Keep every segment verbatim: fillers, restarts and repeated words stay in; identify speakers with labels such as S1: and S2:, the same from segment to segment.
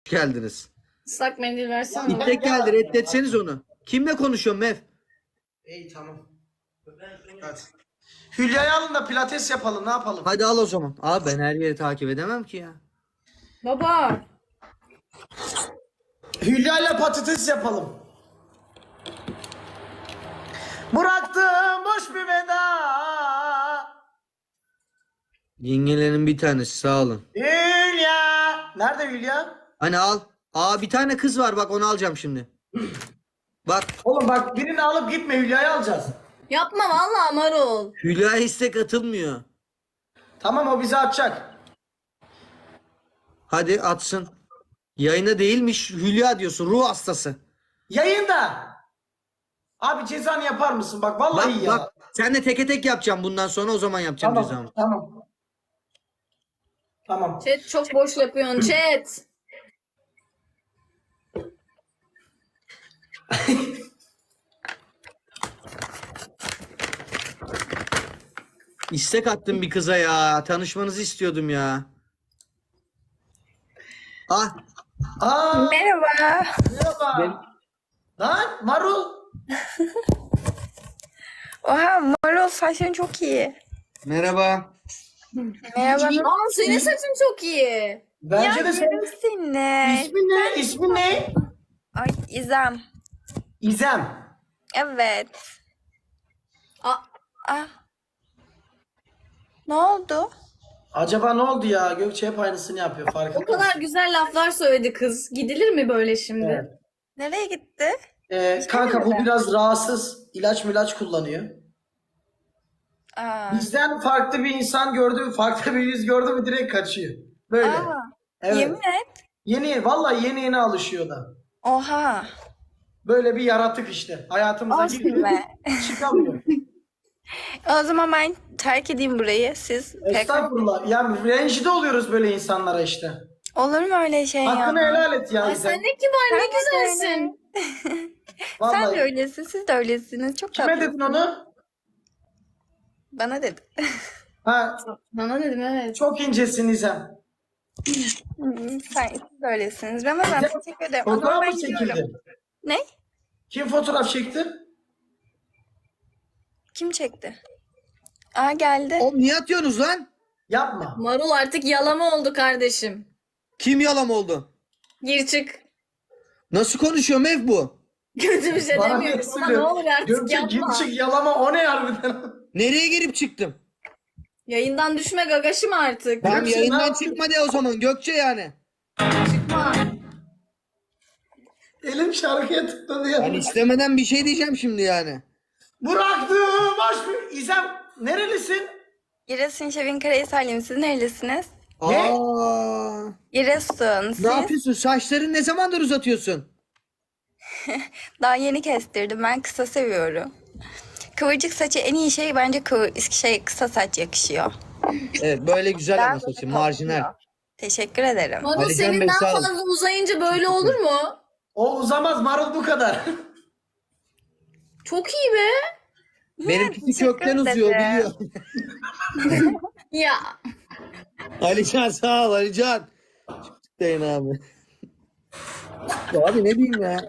S1: geldiniz.
S2: Islak mendil versene.
S1: İpek geldi, reddetseniz onu. Kimle konuşuyorsun Mev?
S3: İyi tamam. Hadi. Hülya'yı alın da pilates yapalım, ne yapalım?
S1: Hadi al o zaman. Abi ben her yeri takip edemem ki ya.
S2: Baba.
S3: Hülya ile patates yapalım. Bıraktım boş bir veda.
S1: Yengelerin bir tanesi, sağ olun.
S3: Hülya. Nerede Hülya?
S1: Hani al. Aa bir tane kız var, bak onu alacağım şimdi. Bak
S3: Oğlum bak birini alıp gitme, Hülya'yı alacağız.
S2: Yapma vallahi Marul.
S1: Hülya istek atılmıyor.
S3: Tamam, o bizi atacak.
S1: Hadi atsın. Yayına değilmiş, Hülya diyorsun, ruh hastası.
S3: Yayında. Abi cezanı yapar mısın? Bak vallahi
S1: Bak
S3: ya.
S1: bak senle teke tek yapacağım bundan sonra, o zaman yapacağım
S3: Tamam,
S1: cezamı.
S3: tamam. Tamam.
S2: Chat çok boş yapıyorsun chat.
S1: İstek attım bir kıza ya. Tanışmanızı istiyordum ya. Ah.
S3: Aa,
S4: Merhaba.
S3: merhaba.
S1: Ben-
S3: Lan Marul.
S4: Oha, marul saçın çok iyi.
S1: Merhaba.
S4: Merhaba.
S2: Aa senin saçın çok iyi.
S3: Bence
S4: Ya
S3: de sen.
S4: yerim seni.
S3: İsmin ne? İsmin ne?
S4: Ay İzem.
S3: İzem.
S2: Aa,
S4: Evet. Ah. Ne oldu?
S3: Acaba ne oldu ya? Gökçe hep aynısını yapıyor, farkında
S2: o kadar
S3: mısın?
S2: güzel laflar söyledi kız. Gidilir mi böyle şimdi?
S3: Evet.
S4: Nereye gitti?
S3: Ee, kanka bu
S4: mi?
S3: biraz rahatsız. İlaç milaç kullanıyor.
S4: Aa.
S3: Bizden farklı bir insan gördü, farklı bir yüz gördü mü direkt kaçıyor. Böyle.
S4: Aa.
S3: Evet.
S4: Yemin et.
S3: Yeni yeni, vallahi yeni yeni alışıyor da.
S4: Oha.
S3: Böyle bir yaratık işte. Hayatımıza
S4: Olsun
S3: giriyor,
S4: be.
S3: çıkamıyor.
S4: O zaman ben terk edeyim burayı. Siz pek...
S3: Estağfurullah. Yani rencide oluyoruz böyle insanlara işte.
S4: Olur mu öyle şey ya?
S3: Hakkını helal et ya
S2: Ay
S3: İzem.
S2: sen ne kibar ne
S4: Sen de
S2: güzelsin.
S4: Sen
S3: Vallahi.
S4: de öylesin. Siz de öylesiniz. Çok
S3: Kime
S4: tatlı.
S3: dedin onu?
S4: Bana dedi.
S3: Ha,
S2: Bana dedim evet.
S3: çok incesin İzem.
S4: Hmm, Sen siz de öylesiniz. Ramazan
S3: İzem,
S4: teşekkür ederim. O zaman
S3: fotoğraf
S4: ben
S3: mı
S4: gidiyorum.
S3: çekildi?
S4: Ne?
S3: Kim fotoğraf çekti?
S4: Kim çekti? Aa geldi.
S1: Oğlum niye atıyorsunuz lan?
S3: Yapma.
S2: Marul artık yalama oldu kardeşim.
S1: Kim yalam oldu?
S2: Gir çık.
S1: Nasıl konuşuyor Mev bu?
S2: Kötü bir şey
S3: Bana
S2: demiyorum
S3: niye
S2: ama ne
S3: söylüyorsun?
S2: olur artık
S3: Gökçe
S2: yapma.
S3: git çık yalama, o ne harbiden?
S1: Nereye girip çıktım?
S2: Yayından düşme gagaşım artık.
S1: Tamam
S3: Gökçe, ne
S1: yayından
S3: yaptın?
S1: çıkma de o zaman Gökçe yani.
S2: Çıkma.
S3: Elim şarkıya tıkladı ya.
S1: Ben istemeden bir şey diyeceğim şimdi yani.
S3: Bıraktım boş bir... İzem nerelisin?
S4: Giresun Şevin Karahisarlıyım. Siz nerelisiniz?
S3: Ne?
S1: Aa,
S4: Giresun. Siz?
S1: ne yapıyorsun? Saçlarını ne zamandır uzatıyorsun?
S4: Daha yeni kestirdim. Ben kısa seviyorum. Kıvırcık saçı en iyi şey bence kıvır, şey kısa saç yakışıyor.
S1: Evet böyle güzel
S4: Ben
S1: ama saçın
S4: böyle
S1: marjinal.
S4: topluyor. Teşekkür ederim.
S2: Marul
S1: Ali Can
S2: senin
S1: Bey,
S2: daha
S1: sağ olun.
S2: fazla uzayınca böyle olur mu?
S3: O uzamaz Marul, bu kadar.
S2: Çok iyi be.
S1: Benimkisi
S4: teşekkür
S1: kökten uzuyor
S4: ederim.
S1: biliyor.
S2: Ya.
S1: Alican sağ ol Alican. Çıktayın abi. Ya abi ne bileyim ya.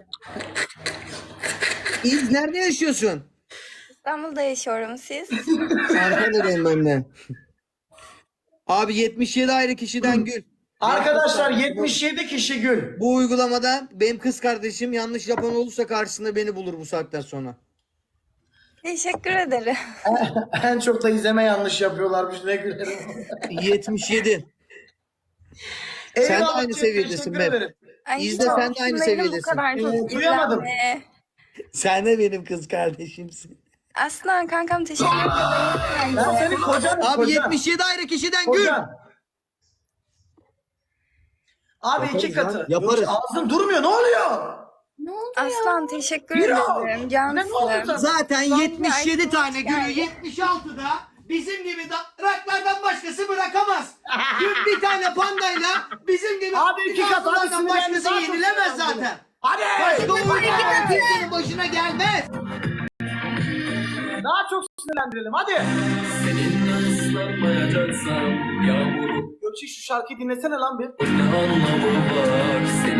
S1: İz nerede yaşıyorsun?
S4: İstanbul'da yaşıyorum siz.
S1: Ankara'dayım ben de. Abi yetmiş yedi ayrı kişiden gül.
S3: Arkadaşlar yetmiş yedi kişi gül.
S1: Bu uygulamada benim kız kardeşim yanlış yapan olursa karşısında beni bulur bu saatten sonra.
S4: Teşekkür ederim.
S3: En çok da İzem'e yanlış yapıyorlarmış, ne gülerim.
S1: yetmiş yedi. Sen de
S3: Eyvallah,
S1: aynı
S3: çok
S1: seviyedesin
S3: teşekkür
S1: be.
S3: ederim.
S4: Ay,
S1: İzle,
S4: çok
S1: sen de aynı
S4: şunların bu
S1: seviyedesin.
S4: kadar çok
S3: Ee, duyamadım.
S4: izlenme.
S1: Sen de benim kız kardeşimsin.
S4: Aslan kankam teşekkür ederim.
S3: Ben senin kocanım,
S1: Abi
S3: kocan.
S1: yetmiş yedi ayrı kişiden gül.
S3: Kocan. Abi iki
S1: Yaparız
S3: katı.
S1: lan, yaparız.
S3: Gökçe, ağzın durmuyor, ne oluyor?
S2: Ne oldu
S4: Aslan teşekkür
S3: Yürü.
S4: ederim.
S3: Ne oldu
S4: Cansın.
S3: sana?
S1: Zaten yetmiş yedi
S4: Ay,
S1: tane gülü
S4: yani.
S1: yetmiş altıda bizim gibi raklardan başkası bırakamaz. Dün bir tane pandayla bizim gibi
S3: Abi iki kat, hadi
S1: raklardan
S3: sinirlendi,
S1: başkası
S3: daha çok
S1: yenilemez
S3: sinirlendi.
S1: zaten.
S3: Hadi.
S1: Başka oyuncular kimsenin başına gelmez.
S3: Daha çok sinirlendirelim, hadi.
S5: Seninle ıslanmayacaksam yağmuru
S3: Gökçe şu şarkıyı dinlesene lan bir.
S5: ne anlamı var? Senin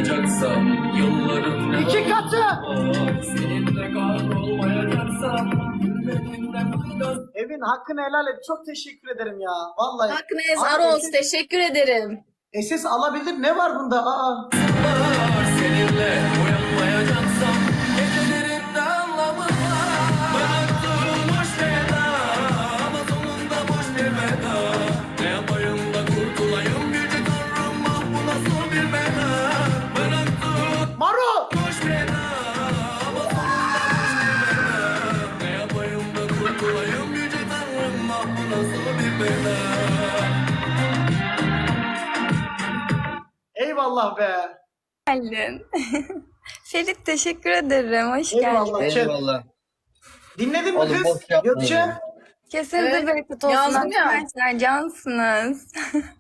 S5: olmayacaksam yılların ne
S3: İki katı.
S5: seninle kahrolmayacaksam gülmediğinden faydası
S3: Evin hakkını helal et. Çok teşekkür ederim ya. Vallahi.
S2: Hakkınız
S3: Abi,
S2: Aros
S3: S S
S2: teşekkür ederim.
S3: S S alabilir. Ne var bunda? Aa.
S5: var. Seninle uyanmayacaksam gecelerin ne anlamı var? Bıraktığım boş veda ama sonunda boş bir veda. Ne yapayım da kurtulayım yüce tanrım, ah bu nasıl bir bela? Bıraktığım
S3: Maro.
S5: boş veda ama sonunda boş bir veda. Ne yapayım da kurtulayım yüce tanrım, ah bu nasıl bir bela?
S3: Eyvallah be.
S4: Geldin. Ferit teşekkür ederim. Hoş
S3: Eyvallah.
S4: geldin.
S1: Eyvallah.
S3: Dinledin mi
S1: Oğlum,
S3: kız?
S1: boş yapma
S3: Gökçe.
S1: ya.
S4: Kesinize
S2: Evet,
S4: bereket olsun
S2: yazdım ya.
S4: arkadaşlar. Cansınız.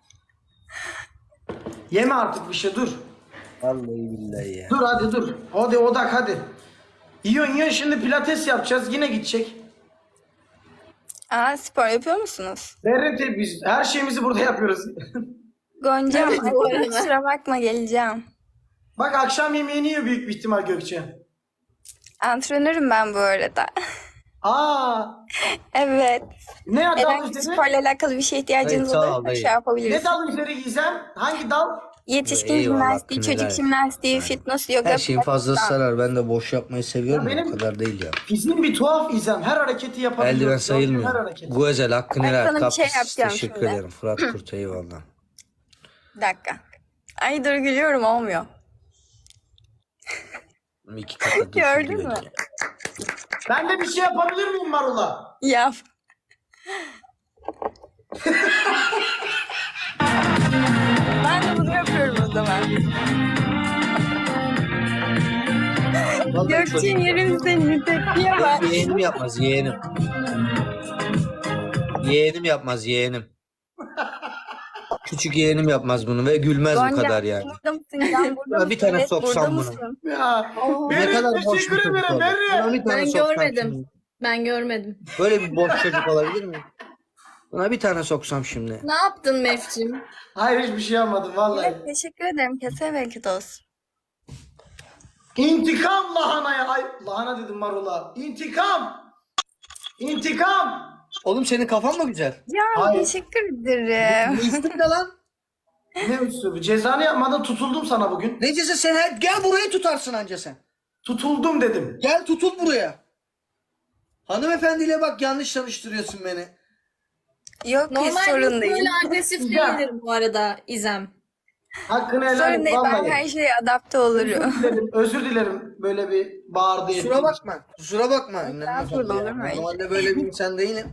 S3: Yeme artık bir şey, dur.
S1: Vallahi billahi ya.
S3: Dur hadi dur. Hadi odak hadi. Yiyorsun yiyorsun, şimdi pilates yapacağız, yine gidecek.
S4: Aa, spor yapıyor musunuz?
S3: Berrete biz her şeyimizi burada yapıyoruz.
S4: Goncam,
S2: Evet, bu
S4: ay,
S2: arada.
S4: kusura bakma geleceğim.
S3: Bak akşam yemeğini yiyor büyük bir ihtimal Gökçe.
S4: Antrenörüm ben bu arada.
S3: Aa,
S4: Evet.
S3: ne dal
S4: Herhangi bir
S3: üzeri?
S4: sporla alakalı bir şey ihtiyacınız
S1: Hayır, sağ ol,
S4: olursa
S1: hayır.
S4: şey
S3: Ne
S4: yapabilirsiniz.
S3: dal üzeri Gizem? Hangi dal?
S4: Yetişkin
S1: Eyvallah,
S4: jimnastiği,
S1: hakkını
S4: çocuk
S1: helal et.
S4: jimnastiği, fitness, yoga,
S1: Her şeyin fazlası
S4: pilates,
S1: sarar. Ben de boş yapmayı seviyorum.
S3: Ya
S1: da
S3: benim-
S1: O kadar değil ya.
S3: Fiziğin bir tuhaf İzem. Her hareketi yapabiliyor.
S1: Eldiven
S3: Her
S1: sayılmıyor.
S3: hareketi.
S1: Güzel hakkını
S4: Ben
S1: helal.
S4: sana bir şey
S1: Kapris,
S4: yapacağım
S1: teşekkür
S4: şimdi.
S1: ederim. Fırat Kurt eyvallah.
S4: Bir dakika. Ay dur gülüyorum olmuyor.
S1: İki kata dursun
S4: Gördün
S1: güzel
S4: mü?
S1: ya.
S3: Ben de bir şey yapabilir miyim Marula?
S4: Yap. Ben de bunu yapıyorum o zaman.
S1: Vallahi
S4: Gökçe
S1: çocuk-
S4: yerim seni tepkiye bak.
S1: Yeğenim yapmaz yeğenim. Yeğenim yapmaz yeğenim. Küçük yeğenim yapmaz bunu ve gülmez bu
S4: Gonca,
S1: kadar yani.
S4: burada mısın? Can burada
S1: Ya
S4: mısın?
S1: bir tane
S4: Evet,
S1: soksam
S4: burada
S1: bunu.
S4: mısın?
S3: Ya.
S1: Ne
S3: Berre,
S1: kadar boş bir
S3: teşekkür
S1: çocuk
S3: ederim
S1: olur.
S3: Berre.
S1: Buna bir tane
S2: Ben
S1: soksam
S2: görmedim.
S1: şimdi.
S2: Ben görmedim.
S1: Böyle bir boş çocuk olabilir mi? Buna bir tane soksam şimdi.
S2: Ne yaptın Mefcim?
S3: Hayır, hiçbir şey yapmadım vallahi.
S4: Evet, teşekkür ederim. Kesene bereket olsun.
S3: İntikam lahanaya. Ay lahana dedim Marula. İntikam. İntikam.
S1: Oğlum senin kafan mı güzel?
S4: Ya
S3: Hayır.
S4: teşekkür ederim.
S1: Ne istin de lan?
S3: Ne üstü? Cezanı yapmadan tutuldum sana bugün.
S1: Necese sen her... Gel burayı tutarsın anca sen.
S3: Tutuldum dedim.
S1: Gel tutul buraya. Hanımefendiyle bak yanlış tanıştırıyorsun beni.
S4: Yok hiç
S2: Normalde
S4: sorun değil.
S2: böyle agresif
S3: Ya.
S2: değilim bu arada İzem.
S3: Hakkını helal
S4: Sorun
S3: et
S4: değil, ben
S3: vallahi.
S4: her şeye adapte olurum.
S3: Özür dilerim, özür dilerim böyle bir bağırdı.
S1: Kusura bakma. Kusura bakma.
S4: Estağfurullah, olur mu öyle?
S1: Normalde böyle bir insan değilim.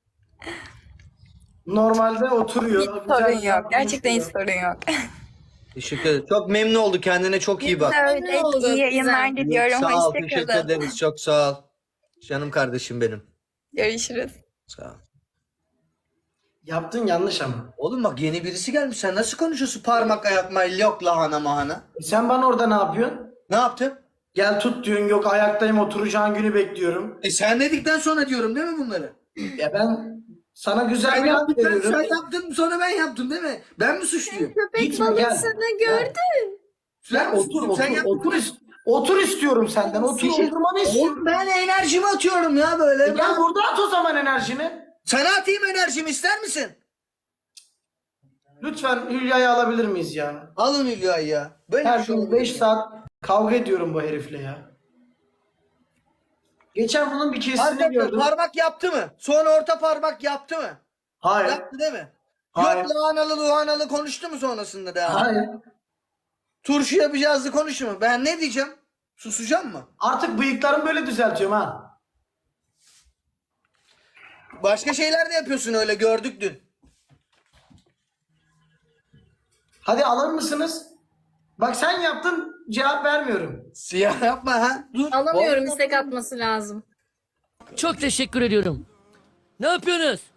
S3: Normalde oturuyor.
S4: Hiç
S3: güzel
S4: sorun
S3: güzel
S4: yok. Gerçekten hiç
S3: konuşuyor.
S4: sorun yok.
S1: Teşekkür ederim. Çok memnun oldu. Kendine çok iyi bak.
S4: Evet,
S2: Ne oldu?
S4: iyi yayınlar
S2: Güzel.
S4: diliyorum.
S1: Sağ ol. Teşekkür
S4: Hoşçakalın.
S1: ederiz. Çok sağ ol. Canım kardeşim benim.
S4: Görüşürüz.
S1: Sağ ol.
S3: Yaptın yanlış ama.
S1: Oğlum bak yeni birisi gelmiş. Sen nasıl konuşuyorsun? Parmak ayakma yok lahana mahana.
S3: E sen bana orada ne yapıyorsun?
S1: Ne yaptım?
S3: Gel tut diyorsun, yok ayaktayım oturacağın günü bekliyorum.
S1: E sen dedikten sonra diyorum değil mi bunları?
S3: Ya ben sana güzel
S1: Sen
S3: bir laf
S1: yaptın, sen,
S3: veriyorum.
S1: sen yaptın sonra ben yaptım değil mi? Ben mi suçluyum?
S2: Köpek
S3: Gitme, gel.
S2: balığını gördün.
S1: Sen
S3: Otur otur
S1: sen yaptın.
S3: otur, is- otur istiyorum senden. Otur
S1: Şey-
S3: oturmanı istiyorum.
S1: Oğlum ben enerjimi atıyorum ya böyle.
S3: E gel burada at o zaman enerjini.
S1: Sana atayım enerjimi ister misin?
S3: Lütfen Hülya'yı alabilir miyiz ya?
S1: Alın Hülya'yı ya. Böyle
S3: Her
S1: bir şey
S3: gün
S1: olabilir
S3: beş
S1: mi?
S3: saat kavga ediyorum bu herifle ya. Geçen bunun bir kesini
S1: Arkadaşlar
S3: gördüm.
S1: parmak yaptı mı? Sonra orta parmak yaptı mı?
S3: Hayır.
S1: Yaptı değil mi?
S3: Hayır.
S1: Yok lahanalı luhanalı konuştu mu sonrasında da?
S3: Hayır.
S1: Turşu yapacağızdı konuştu mu? Ben ne diyeceğim? Susacağım mı?
S3: Artık bıyıklarımı böyle düzeltiyorum ha.
S1: Başka şeyler de yapıyorsun öyle gördük dün.
S3: Hadi alır mısınız? Bak sen yaptın, cevap vermiyorum.
S1: Siyah yapma ha. Dur.
S2: Alamıyorum, istek atması lazım.
S6: Çok teşekkür ediyorum. Ne yapıyorsunuz?